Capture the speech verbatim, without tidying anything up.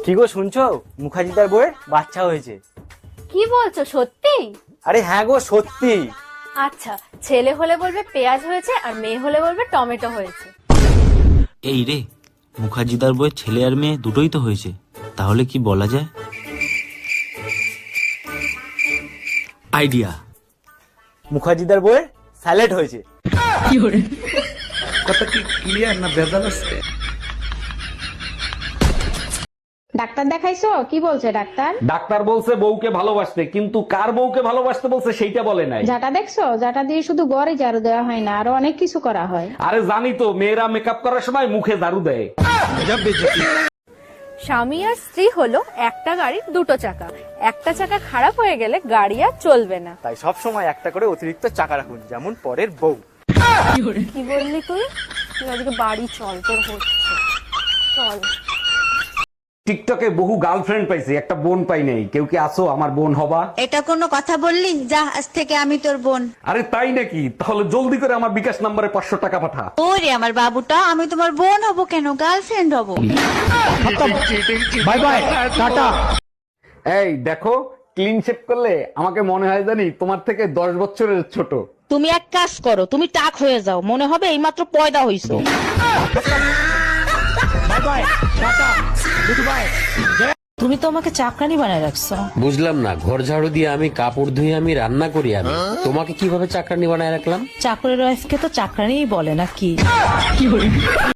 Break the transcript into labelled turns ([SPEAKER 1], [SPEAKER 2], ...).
[SPEAKER 1] কি গো শুনছো, মুখার্জিদার বউয়ের বাচ্চা হয়েছে।
[SPEAKER 2] কি বলছো, সত্যি?
[SPEAKER 1] আরে হ্যাঁ গো সত্যি।
[SPEAKER 2] আচ্ছা, ছেলে হলে বলবে পেঁয়াজ হয়েছে, আর মেয়ে হলে বলবে টমেটো হয়েছে।
[SPEAKER 3] এই রে, মুখার্জিদার বউয়ের ছেলে আর মেয়ে দুটোই তো হয়েছে, তাহলে কি বলা যায়? আইডিয়া,
[SPEAKER 1] মুখার্জিদার বউয়ের স্যালাড হয়েছে।
[SPEAKER 4] কথা কি ক্লিয়ার না ভেজাল আছে?
[SPEAKER 5] ডাক্তার দেখাইছো? কি বলছে ডাক্তার?
[SPEAKER 4] ডাক্তার বলছে বউকে ভালোবাসতে, কিন্তু কার বউকে ভালোবাসতে বলছে সেইটা বলে নাই।
[SPEAKER 5] যাটা দেখছো, যাটা দিয়ে শুধু গড়ে ঝাড়ু দেওয়া হয় না, আরো অনেক কিছু করা হয়।
[SPEAKER 4] আরে জানি তো, মেয়েরা মেকআপ করার সময় মুখে ঝাড়ু দেয়।
[SPEAKER 2] স্বামী আর স্ত্রী হলো একটা গাড়ির দুটো চাকা, একটা চাকা খারাপ হয়ে গেলে গাড়ি আর চলবে না।
[SPEAKER 1] তাই সব সময় একটা করে অতিরিক্ত চাকা রাখুন, যেমন পরের বউ।
[SPEAKER 2] কি বললি তুই? তুই আজকে বাড়ি চল, তোর হচ্ছে। চল।
[SPEAKER 4] টিকটকে বহু গার্লফ্রেন্ড পাইছি, একটা বোন পাই নাই। কেউ কি আসো আমার বোন হবা?
[SPEAKER 6] এটা কোনো কথা বললি? যা, আজ থেকে আমি তোর বোন।
[SPEAKER 4] আরে তাই নাকি? তাহলে জলদি করে আমার বিকাশ নাম্বারে পাঁচশো টাকা পাঠা।
[SPEAKER 6] ওরে আমার বাবুটা, আমি তোমার বোন হব কেন, গার্লফ্রেন্ড হব।
[SPEAKER 4] বাই বাই, টাটা। এই দেখো, ক্লিন শেভ করলে আমাকে মনে হয় জানি তোমার থেকে দশ বছরের ছোট।
[SPEAKER 7] তুমি এক কাজ করো, তুমি টাক হয়ে যাও, মনে হবে এইমাত্র পয়দা হইছো। তুমি তো আমাকে চাকরানি বানায় রাখছো।
[SPEAKER 8] বুঝলাম না, ঘর ঝাড়ু দিয়ে আমি, কাপড় ধুয়ে আমি, রান্না করি আমি, তোমাকে কিভাবে চাকরানি বানায় রাখলাম?
[SPEAKER 7] চাকরের ওয়াইফকে তো চাকরানিই বলে নাকি?